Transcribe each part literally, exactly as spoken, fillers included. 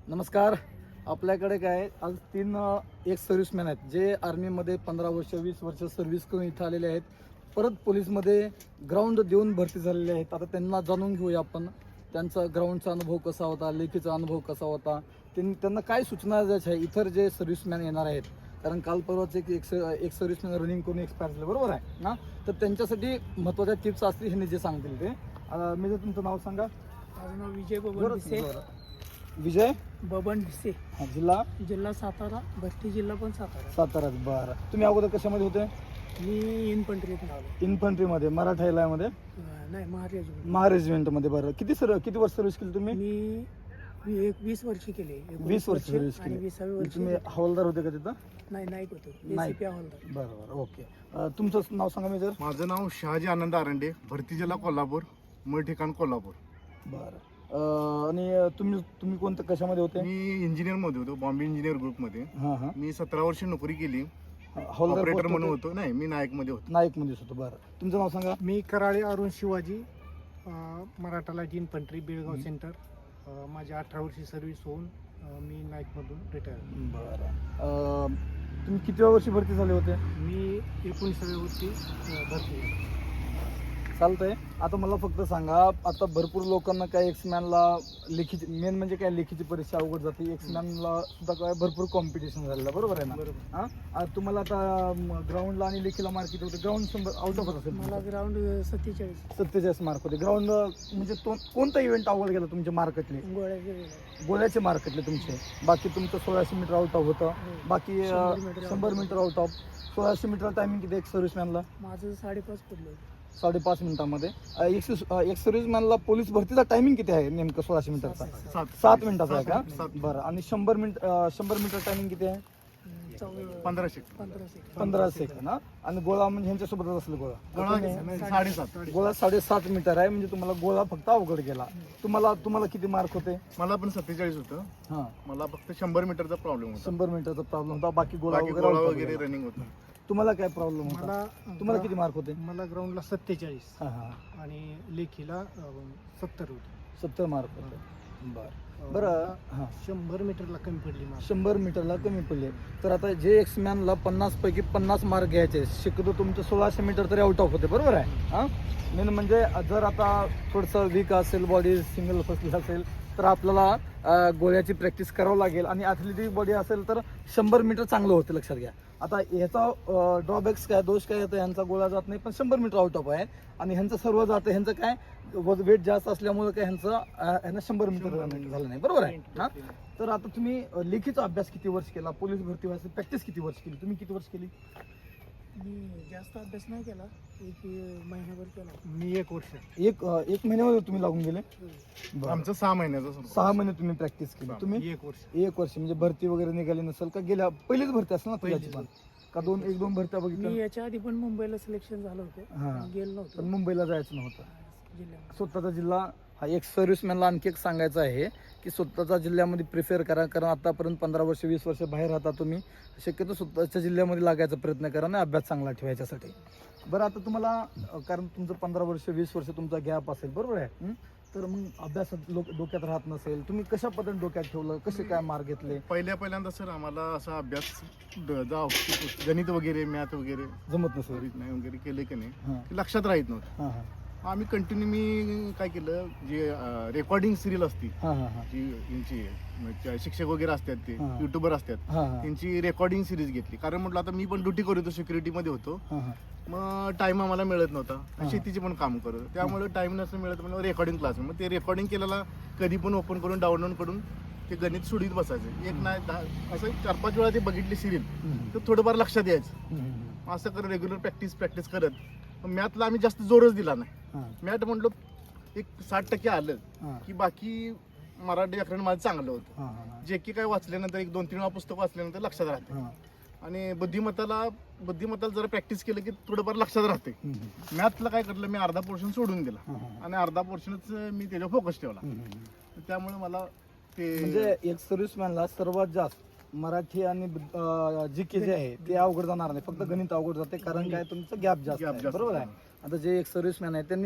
नमस्कार. आपल्याकडे काय आज तीन एक सर्व्हिसमॅन आहेत जे आर्मीमध्ये पंधरा वर्ष वीस वर्ष सर्व्हिस करून इथं आलेले आहेत. परत पोलीसमध्ये ग्राउंड देऊन भरती झालेले आहेत. आता त्यांना जाणून घेऊया आपण त्यांचा ग्राउंडचा अनुभव कसा होता, लेखीचा अनुभव कसा होता, त्यांनी त्यांना काय सूचना द्यायच्या आहे इतर जे सर्व्हिसमॅन येणार आहेत. कारण काल परवाच एक एक एक सर्व्हिसमॅन रनिंग करून एक्सपायर झाले, बरोबर आहे ना. तर त्यांच्यासाठी महत्त्वाच्या टिप्स असतील हे जे सांगतील ते. मी जर तुमचं नाव सांगा. माझं नाव विजय बबन भिसे. विजय बबन भिसे, जिल्हा जिल्हा सातारा, भरती जिल्हा पण सातारा. सातारा. बरं, तुम्ही अगोदर कशामध्ये होते? मी इन्फंट्रीत आलो. इन्फंट्रीमध्ये, मराठा मध्ये, नाही महाराज. महारेजिमेंटमध्ये. बरं, किती सर किती वर्ष सर्व्हिस केली तुम्ही? मी मी एक वीस वर्ष केले. वीस वर्ष सर्व्हिस आणि केली. विसावी वर्ष तुम्ही हवालदार होते का तिथं? नाही नाईक होतो. नाईक. एसीपी हवालदार. बरं बरं, ओके. अं, तुमचं नाव सांगा मेजर. माझं नाव शहाजी आनंद आरंडे, भरती जिल्हा कोल्हापूर, मूळ ठिकाण कोल्हापूर. बरं. अं, आणि तुम्ही तुम्ही कोणत्या कशामध्ये होते? मी इंजिनियर मध्ये होतो, बॉम्बे इंजिनियर ग्रुपमध्ये. हां हां. मी सतरा वर्ष नोकरी केली, हवालदार ऑपरेटर post म्हणून होते? होतो. नाही, मी नायक मध्ये होतो. नाईकमध्येच होतो. बरं, तुमचं नाव सांगा. मी कराळे अरुण शिवाजी, अ, Maratha light infantry, Belgaum centre. अ, माझी अठरा वर्षी सर्व्हिस होऊन अ, मी नाईकमधून रिटायर. बरं. अं, तुम्ही किती वर्षी भरती झाले होते? मी एकोणीसाव्या वर्षी अ, भरती झालो. चालतंय. आता मला फक्त सांगा, आता भरपूर लोकांना काय एक्समॅनला लेखीची मेन म्हणजे काय लेखीची परीक्षा अवघड जाते. एक्समॅनला सुद्धा काय भरपूर कॉम्पिटिशन झालेलं, बरोबर आहे ना? बरोबर. हां, आता तुम्हाला आता ग्राउंडला आणि लेखीला मार्क किती होते? ग्राउंड शंभर आउट ऑफ असेल. मला ग्राउंड सत्तेचाळीस. सत्तेचाळीस मार्क होते. ग्राउंड म्हणजे तो कोणता इव्हेंट अवघड गेला तुमचे मार्कतले? गोळ्याचे गोळ्याचे मार्कतले तुमचे. बाकी तुमचं सोळाशे मीटर आउट ऑफ होतं. बाकी शंभर मीटर शंभर मीटर आउट ऑफ. सोळाशे मीटर टायमिंग किती एक सर्व्हिसमॅनला? माझं साडेपाच पडलं. साडेपाच मिनिटामध्ये. एक एक सर्व्हिसमॅनला पोलीस भरतीचा टायमिंग किती आहे नेमकं सोळाशे मीटरचा? सात सात मिनिटाचा आहे का? सात. बरं. आणि शंभर मिनिट शंभर मीटर टायमिंग किती आहे? पंधरा सेकंद. पंधरा सेकंड. पंधरा सेकंड. ना. आणि गोळा म्हणजे ह्यांच्यासोबतच असेल गोळा. गोळा साडेसात. गोळा साडेसात मीटर आहे म्हणजे तुम्हाला गोळा फक्त अवघड गेला. तुम्हाला तुम्हाला किती मार्क होते? मला पण सत्तेचाळीस होतं. हां, मला फक्त शंभर मीटरचा प्रॉब्लेम होता. शंभर मीटरचा प्रॉब्लेम होता. बाकी गोळा बाकी वगैरे गोळा out of वगैरे गेला. रनिंग होतं. तुम्हाला काय प्रॉब्लेम होता? मला तुम्हाला किती मार्क होते? मला ग्राउंडला सत्तेचाळीस हां हां, आणि लेखीला अ, सत्तर होते. सत्तर मार्क होते. बरं बरं. हां, शंभर मीटरला कमी पडली मला. शंभर मीटरला कमी पडले. तर आता जे एक्समॅनला पन्नास पैकी पन्नास मार्क घ्यायचे, शक्यतो तुमचं सोळाशे मीटर तरी आउट ऑफ होते, बरोबर आहे? हां, मेन म्हणजे जर आता थोडंसं वीक असेल, बॉडी सिंगल फसली असेल तर आपल्याला अं, गोळ्याची प्रॅक्टिस करावं लागेल. आणि ॲथलेटिक बॉडी असेल तर शंभर मीटर चांगलं होतं, लक्षात घ्या. आता ह्याचा ड्रॉबॅक्स काय, दोष काय येतं, ह्यांचा गोळा जात नाही पण शंभर मीटर आउट ऑफ आहे. आणि ह्यांचं सर्व जातं, ह्यांचं काय वेट जास्त असल्यामुळे काय ह्यांचं अं, ह्यांना शंभर मीटर झालं नाही, बरोबर आहे ना. तर आता तुम्ही अं, लेखीचा अभ्यास किती वर्ष केला? पोलीस भरती व्हायचं प्रॅक्टिस किती वर्ष केली? तुम्ही किती वर्ष केली? मी जास्त अभ्यास नाही केला, एक महिनाभर केला. मी एक वर्ष. एक अं, एक महिन्यामध्ये तुम्ही लागून गेले? बरं. आमचं सहा महिन्याचं संपलं. सहा महिने तुम्ही प्रॅक्टिस केली. तुम्ही एक वर्ष. एक वर्ष म्हणजे भरती वगैरे निघाली नसेल का? गेल्या पहिलीच भरती असेल ना तुझ्याची पण? का दोन एक दोन भरत्या मी बघितल्या? याच्या आधी पण मुंबईला सिलेक्शन झालं होतं, हां. पण गेलो पण नव्हतो मुंबईला जायचं नव्हतं. जिल्ह्यात. स्वतःचा जिल्हा हा एक सर्व्हिसमॅनला आणखी एक सांगायचं आहे की स्वतःच्या जिल्ह्यामध्ये प्रिफेअर करा. कारण आतापर्यंत पंधरा वर्ष वीस वर्ष बाहेर राहता तुम्ही, शक्यतो स्वतःच्या जिल्ह्यामध्ये लागायचा प्रयत्न करा आणि अभ्यास चांगला ठेवायच्यासाठी. बरं, आता तुम्हाला अं, कारण तुमचं पंधरा वर्ष वीस वर्ष तुमचा गॅप असेल, बरोबर आहे? हं? तर मग अभ्यासात लोक डोक्यात राहत नसेल, तुम्ही कशा पद्धतीने डोक्यात ठेवलं, कसे काय मार्क घेतले? पहिल्या पहिल्यांदा सर आम्हाला असा अभ्यास ड- जा गणित वगैरे मॅथ वगैरे जमत नसेल. नाही वगैरे केले की नाही, हां ते लक्षात राहत नव्हतं. हां हां आम्ही कंटिन्यू मी काय केलं, जे रेकॉर्डिंग सिरियल असती, हां हां हां जी यांची म्हणजे शिक्षक वगैरे असतात, ते हां. युट्यूबर असतात, हां हां त्यांची रेकॉर्डिंग सिरीज घेतली. कारण म्हटलं आता मी पण ड्युटी करत होतो, सिक्युरिटीमध्ये होतो, हां हां मग टाइम आम्हाला मिळत नव्हता. हां. शेतीचे पण काम करत होतो, त्यामुळे टाइम नसतं मिळत. म्हणलं रेकॉर्डिंग क्लास, मग ते रेकॉर्डिंग केलेला कधी पण ओपन करून डाउनलोड करून ते गणित सोडीत बसायचं. एक नाही दहा असं चार पाच वेळा ते बघितली सिरियल हं, तर थोडंफार लक्षात यायचं. हं, हं, असं करत रेग्युलर प्रॅक्टिस प्रॅक्टिस करत मॅथला आम्ही जास्त जोरच दिला नाही. हां मॅथ म्हटलं एक साठ टक्के आलं हां की बाकी मराठी व्याकरण माझं चांगलं होतं. हां हां जे की काय वाचल्यानंतर एक दोन तीन वेळा पुस्तक वाचल्यानंतर लक्षात राहते. हां आणि बुद्धिमत्ताला बुद्धिमत्ताला जरा प्रॅक्टिस केलं की थोडंफार लक्षात राहते. हं, हं, मॅथला काय करलं, मी अर्धा पोर्शन सोडून दिला हां, हां. आणि अर्धा पोर्शनच मी त्याच्यावर फोकस ठेवला. हं, हं, हं. त्यामुळे मला ते म्हणजे एक सर्व्हिसमॅनला सर्वात जास्त मराठी आणि जी के जे आहे ते अवघड जाणार नाही, फक्त गणित अवघड जाते. कारण काय, तुमचं गॅप जास्त Gap आहे, जास्त बरोबर आहे. आहे. आता जे एक सर्व्हिसमॅन आहे त्यांनी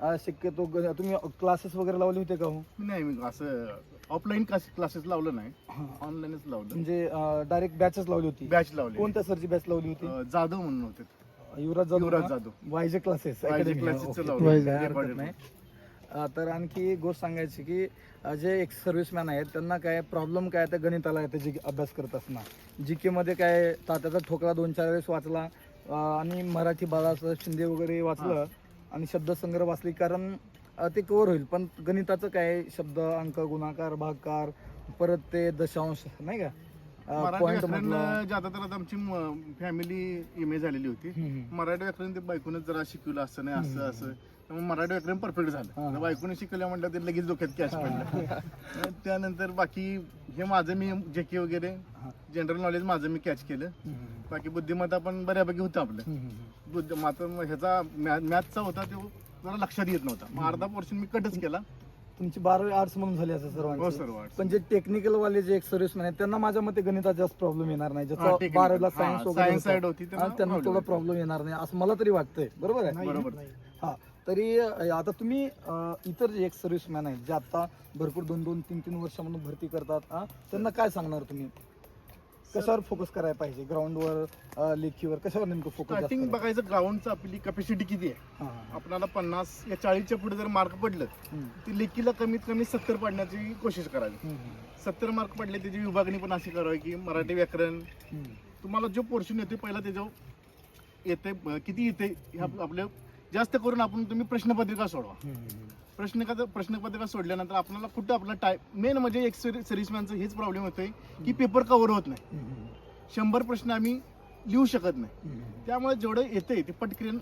अं, शक्यतो ग- तुम्ही क्लासेस वगैरे लावले होते का हो नाही मी असं ऑफलाईन क्लासेस लावलं नाही, ऑनलाईनच लावलं. म्हणजे डायरेक्ट बॅचच लावली होती? बॅच लावली. कोणत्या सरची बॅच लावली होती? अं, जाधव म्हणून होते, युवराज जाधव युवराज का? Jadhav. YJ classes YJ Academy. classes चं ओके. लावलं. काय हरकत Recorded. नाही. अं, तर आणखी एक गोष्ट सांगायची की अं, जे एक सर्व्हिसमॅन आहेत त्यांना काय प्रॉब्लेम काय त्या गणिताला आहे जी अभ्यास करत असणार. जी के मध्ये काय तात्याचा ठोकळा दोन चार वेळेस वाचला अं, आणि मराठी बाळाचं शिंदे वगैरे वाचलं आणि शब्दसंग्रह वाचली कारण अं, ते कव्हर होईल. पण गणिताचं काय शब्द अंक गुणाकार भागाकार परत ते दशांश नाही का मराठी पॉईंट व्याकरण मधलं. ज्यादा तर आता आमची फॅमिली इमेज झालेली होती. हम्म. मराठी व्याकरण ते बायकोनच जरा शिकवलं असं नाही असं असं त्यामुळे मराठी व्याकरण परफेक्ट हा. झालं. बायकोने शिकवलं म्हटलं ते लगेच डोक्यात कॅच पडलं. त्यानंतर बाकी हे माझं मी जे के वगैरे हा. जनरल नॉलेज माझं मी कॅच केलं. हम्म. बाकी बुद्धिमत्ता पण बऱ्यापैकी होतं आपलं. हम्म. बुद्ध मात्र ह्याचा मॅथचा होता तो जरा लक्षात येत नव्हता. मग अर्धा पोर्शन मी कटच केला. तुमची बारावी आर्ट्स म्हणून झाली असं हो सर्वांची. सर्व पण जे टेक्निकल वाले जे एक सर्व्हिसमॅन आहेत त्यांना माझ्या मते गणिताचा जास्त प्रॉब्लेम येणार नाही. हा, ज्याचा technical. बारावीला हा, सायन्स वगैरे science होतं. side होती त्यांना हा, त्यांना problem थोडा येतो. प्रॉब्लेम येणार नाही असं मला तरी वाटतंय. बरोबर आहे? नाही, बरोबर. नाही. हा तरी अं, आता तुम्ही अं, इतर जे एक सर्व्हिसमॅन आहेत जे आता भरपूर दोन दोन तीन तीन वर्षामधून भरती करतात हा, त्यांना काय सांगणार तुम्ही? कशावर फोकस करायला पाहिजे? ग्राउंडवर लेखीवर कशावर नेमकं फोकस स्टार्टिंग बघायचं ग्राउंडचं आपली कॅपॅसिटी किती आहे. आपल्याला पन्नास या चाळीसच्या पुढे जर मार्क पडलं ती लेखीला कमीत कमी सत्तर पडण्याची कोशिश करावी. सत्तर मार्क पडले त्याची विभागणी पण अशी करावी की मराठी व्याकरण तुम्हाला जो पोर्शन येते पहिला त्याच्यावर येते अं, किती येते ह्या आपल्या जास्त करून आपण तुम्ही प्रश्नपत्रिका सोडवा. प्रश्न प्रश्नपत्रिका सोडल्यानंतर आपल्याला कुठं आपला टाईम मेन म्हणजे एक सर्व्हिसमॅनचं हेच प्रॉब्लेम होतोय की पेपर कव्हर होत नाही. शंभर प्रश्न आम्ही लिहू शकत नाही. त्यामुळे जेवढं येते ते पटकन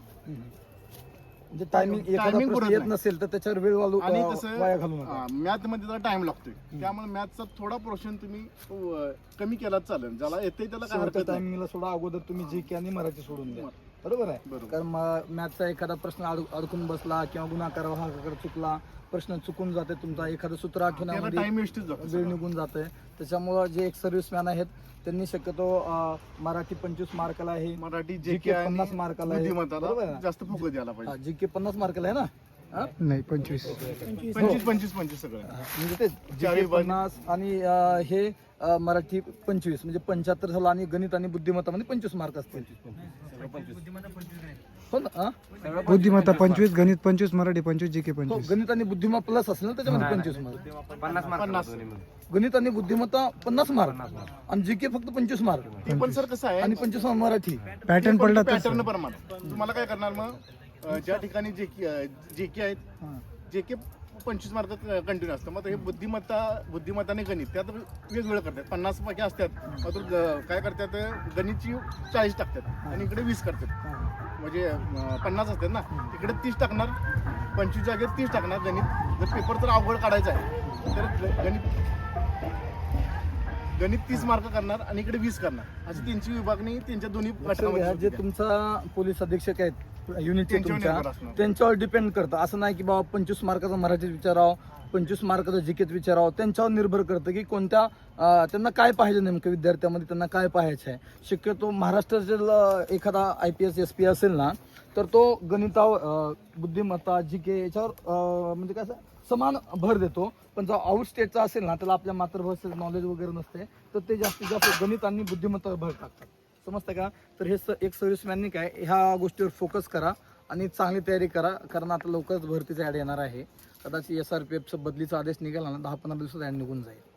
म्हणजे टायमिंग एखादा timing प्रश्न पुरत येत नाही. नसेल तर त्याच्यावर वेळ वालू आणि अं, कसं वाया घालू नका. मॅथ मध्ये जरा टाइम लागतोय. त्यामुळे मॅथचा थोडा पोर्शन तुम्ही अं, कमी केलाच चालेल. ज्याला येते त्याला काय हरकत नाही. टायमिंगला सोडा अगोदर तुम्ही जी के आणि मराठी सोडून द्या. बरोबर आहे? बरोबर. कारण मॅथचा एखादा प्रश्न अड- अडकून बसला किंवा गुणाकार भागाकार चुकला प्रश्न चुकून जाते तुमचा एखादं सूत्र त्याला आठवण्यामध्ये टाइम वेस्टच जातो वेळ सगळा. निघून जाते. त्याच्यामुळं जे एक सर्व्हिसमॅन आहेत त्यांनी शक्यतो अं, मराठी पंचवीस मार्काला आहे मराठी जी जे के पन्नास मार्काला आहे. बरोबर आहे बुद्धिमत्ताला ना? जास्त फोकस द्यायला पाहिजे. जी के पन्नास मार्काला आहे ना हा? नाही पंचवीस पंचवीस पंचवीस पंचवीस पंचवीस सगळं म्हणजे ते जी चारी के बाजू- पन्नास आणि अं, हे अं, मराठी पंचवीस म्हणजे पंच्याहत्तर झालं आणि गणित आणि बुद्धिमत्तामध्ये पंचवीस मार्क असतील. हो ना हा? बुद्धिमत्ता पंचवीस, गणित पंचवीस, मराठी पंचवीस, जी के हो, पंचवीस. गणित आणि बुद्धिमत्ता प्लस असेल ना त्याच्यामध्ये पंचवीस मार्क. पन्नास गणित आणि बुद्धिमत्ता पन्नास मार्क आणि जी के फक्त पंचवीस मार्क ते पण सर कसं आहे आणि पंचवीस मार्क मराठी. पॅटर्न पडला तर पॅटर्न प्रमाणे तुम्हाला काय करणार मग अं, ज्या ठिकाणी जे जे के आहेत हा. जे के पंचवीस मार्क कंटिन्यू असतं. मग हे बुद्धिमत्ता बुद्धिमत्ताने गणित त्यात वेगवेगळं करतात. पन्नास पैकी असतात मग तो ग- काय करतात गणितची चाळीस टाकतात आणि इकडे वीस करतात. हा. म्हणजे अं, पन्नास असतात ना इकडे तीस टाकणार पंचवीस जागेत तीस टाकणार गणित. जर पेपर जर अवघड काढायचा आहे तर ग- गणित गणित तीस मार्क करणार आणि इकडे वीस करणार अशी त्यांची विभागणी त्यांच्या दोन्ही लक्षात गटामध्ये घ्या, जे होती. तुमचा पोलीस अधीक्षक आहेत युनिटचे त्यांच्यावर तुमच्या निर्भर असणार. त्यांच्यावर डिपेंड करतं. असं नाही की बाबा पंचवीस मार्काचं मराठीत विचारावं पंचवीस मार्काचं जीकेत विचारावं. त्यांच्यावर निर्भर करतं की कोणत्या अं, त्यांना काय पाहिजे नेमकं विद्यार्थ्यामध्ये त्यांना काय पाहायचं आहे. शक्यतो महाराष्ट्रातील अं, एखादा I P S S P असेल ना तर तो गणितावर अं, बुद्धिमत्ता जी के याच्यावर अं, म्हणजे कसं समान भर देतो. पण जो आउट स्टेटचा असेल ना त्याला आपल्या मातृभाषेचं नॉलेज वगैरे नसते तर ते जास्तीत जास्त गणित आणि बुद्धिमत्तावर भर टाकतात. समजतं का? तर हे स- एक सर्व्हिसमॅननी काय ह्या गोष्टीवर फोकस करा आणि चांगली तयारी करा. कारण आता लवकरच भरतीचा ॲड येणार आहे. कदाचित एस आर पी एफचं बदलीचा आदेश निघाला ना दहा पंधरा दिवसात ॲड निघून जाईल.